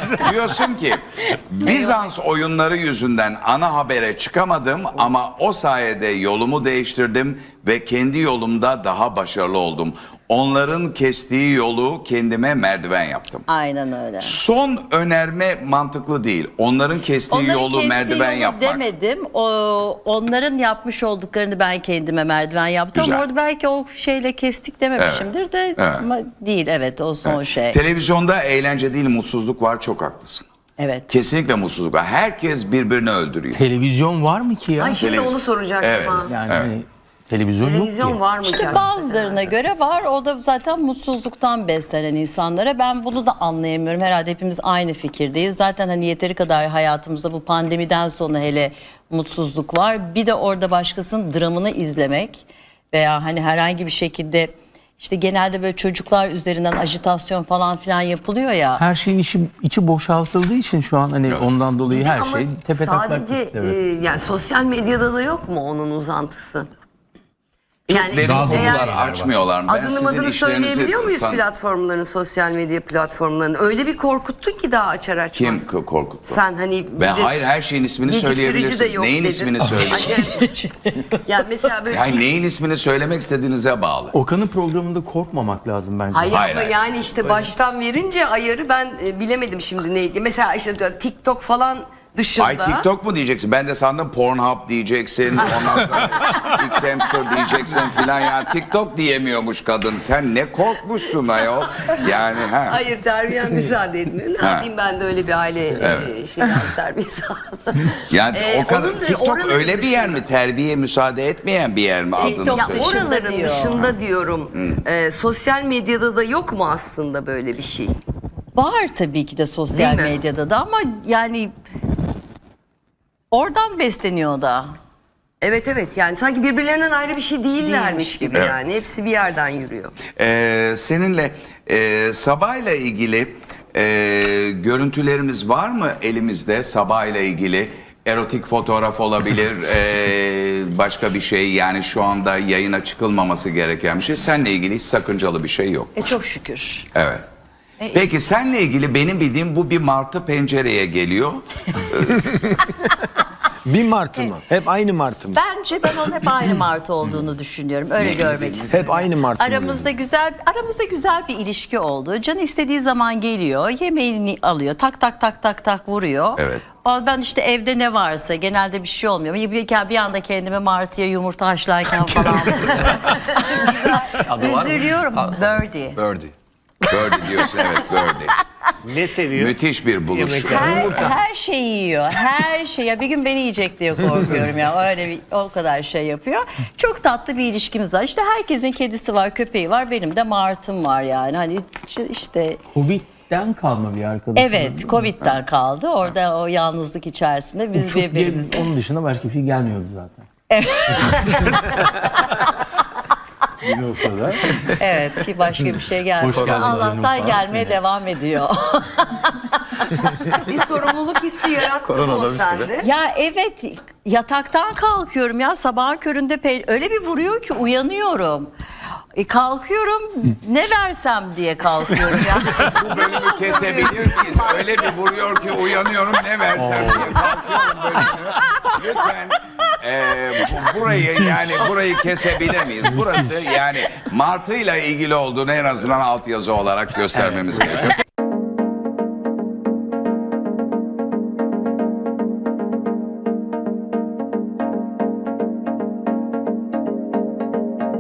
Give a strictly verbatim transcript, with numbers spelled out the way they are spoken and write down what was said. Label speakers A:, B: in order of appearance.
A: Diyorsun ki Bizans oyunları yüzünden ana habere çıkamadım ama o sayede yolumu değiştirdim ve kendi yolumda daha başarılı oldum. Onların kestiği yolu kendime merdiven yaptım.
B: Aynen öyle.
A: Son önerme mantıklı değil. Onların kestiği
B: Onların
A: yolu
B: kestiği
A: merdiven
B: yolu
A: yapmak.
B: demedim. O, onların yapmış olduklarını ben kendime merdiven yaptım.
A: Güzel.
B: Ama orada belki o şeyle kestik dememişimdir de
A: Evet.
B: ama değil, evet, o son şey.
A: Televizyonda eğlence değil mutsuzluk var, çok haklısın.
B: Evet.
A: Kesinlikle mutsuzluk var. Herkes birbirini öldürüyor.
C: Televizyon var mı ki ya?
D: Ay şimdi
A: Televiz-
D: onu soracaktım
A: Evet.
D: ha.
C: Yani hani televizyon,
D: Televizyon
C: yok ki.
D: var mı ki?
B: İşte
D: hakikaten?
B: bazılarına göre var. O da zaten mutsuzluktan beslenen insanlara. Ben bunu da anlayamıyorum. Herhalde hepimiz aynı fikirdeyiz. Zaten hani yeteri kadar hayatımızda bu pandemiden sonra hele mutsuzluk var. Bir de orada başkasının dramını izlemek veya hani herhangi bir şekilde işte genelde böyle çocuklar üzerinden ajitasyon falan filan yapılıyor ya.
C: Her şeyin içi, içi boşaltıldığı için şu an hani ondan dolayı her
D: Ama
C: şey tepe taklak
D: sadece
C: gitti, evet.
D: e, yani sosyal medyada da yok mu onun uzantısı?
A: Derin
D: eğer
A: konular açmıyorlar mı? Ben
D: adını
A: sizin
D: adını
A: işlerinizi
D: söyleyebiliyor muyuz
A: tan-
D: platformların, sosyal medya platformlarının? Öyle bir korkuttun ki daha açar açmaz.
A: Kim k- korkuttu?
D: Sen hani bir
A: Ben
D: de
A: hayır her şeyin ismini
D: geciktirici
A: söyleyebilirsiniz.
D: de yok
A: Neyin
D: dedin.
A: ismini söyleyin?
D: yani mesela böyle
A: Yani neyin ismini söylemek istediğinize bağlı.
C: Okan'ın programında korkmamak lazım bence.
D: Hayır,
A: Hayır,
D: ama
A: hayır.
D: yani işte baştan verince ayarı ben e, bilemedim şimdi neydi. Mesela işte TikTok falan dışında.
A: Ay TikTok mu diyeceksin? Ben de sandım Pornhub diyeceksin. Ondan sonra X-Hamster diyeceksin filan. Ya TikTok diyemiyormuş kadın. Sen ne korkmuşsun ayol? Yani ha.
D: Hayır, terbiyem müsaade etmiyor. Ne
A: Ha.
D: yapayım ben de öyle bir aile e, şeyden terbiyesi aldım.
A: Yani
D: Ee,
A: o kadar
D: onun da-
A: TikTok
D: oraların
A: öyle bir yer
D: dışında.
A: mi? Terbiye müsaade etmeyen bir yer mi adını
B: TikTok
D: Ya
A: söyle.
B: dışında
D: oraların
B: diyor.
D: dışında diyorum. E, sosyal medyada da yok mu aslında böyle bir şey?
B: Var tabii ki de sosyal
D: Değil mi?
B: medyada da ama yani oradan besleniyor da.
D: Evet evet, yani sanki birbirlerinden ayrı bir şey değillermiş
B: Değilmiş
D: gibi
A: gibi.
D: yani. Hepsi bir yerden yürüyor.
A: Ee, seninle e, Sabah'la ilgili e, görüntülerimiz var mı elimizde? Sabah'la ilgili erotik fotoğraf olabilir, e, başka bir şey, yani şu anda yayına çıkılmaması gereken bir şey. Seninle ilgili hiç sakıncalı bir şey yok.
B: E çok şükür.
A: Evet. Peki seninle ilgili benim bildiğim bu bir martı pencereye geliyor.
E: Bir martı mı? Hep aynı martı mı?
B: Bence ben onun hep aynı Martı olduğunu düşünüyorum. Öyle görmek istiyorum.
E: Hep aynı martı mı?
B: Aramızda güzel aramızda güzel bir ilişki oldu. Canı istediği zaman geliyor, yemeğini alıyor, tak tak tak tak tak vuruyor.
A: Evet.
B: Ben işte evde ne varsa genelde bir şey olmuyor. Bir, bir anda kendime Martı'ya yumurta haşlarken falan. Üzülüyorum. Birdie.
E: Birdie.
A: Birdie diyorsun, evet, Birdie.
E: Ne seviyor?
A: Müthiş bir buluş.
E: Yemekler.
B: Her, her şeyi yiyor. Her şey. Ya bir gün beni yiyecek diye korkuyorum ya. Öyle bir, o kadar şey yapıyor. Çok tatlı bir ilişkimiz var. İşte herkesin kedisi var, köpeği var. Benim de Martım var yani. Hani işte
C: Covid'den kalma bir arkadaşım.
B: evet, Covid'den kaldı. Orada o yalnızlık içerisinde biz
C: Çok
B: birbirimiz.
C: gel- onun dışında başka bir şey gelmiyordu zaten. Bir o kadar.
B: Evet, ki başka bir şey gelmiyor.
C: Hoş geldin
B: Allah'tan
C: canım.
B: gelmeye devam ediyor.
D: Bir sorumluluk hissi yarattı mı o sende?
B: Ya evet, yataktan kalkıyorum ya sabahın köründe pe- öyle bir vuruyor ki uyanıyorum. E, kalkıyorum ne versem diye kalkıyorum ya.
A: Bu bölümü kesebilir miyiz? Öyle bir vuruyor ki uyanıyorum, ne versem diye kalkıyorum bölümü. Lütfen e, bu- burayı yani burayı kesebilir miyiz? Burası yani Martı'yla ilgili olduğunu en azından altyazı olarak göstermemiz gerekiyor.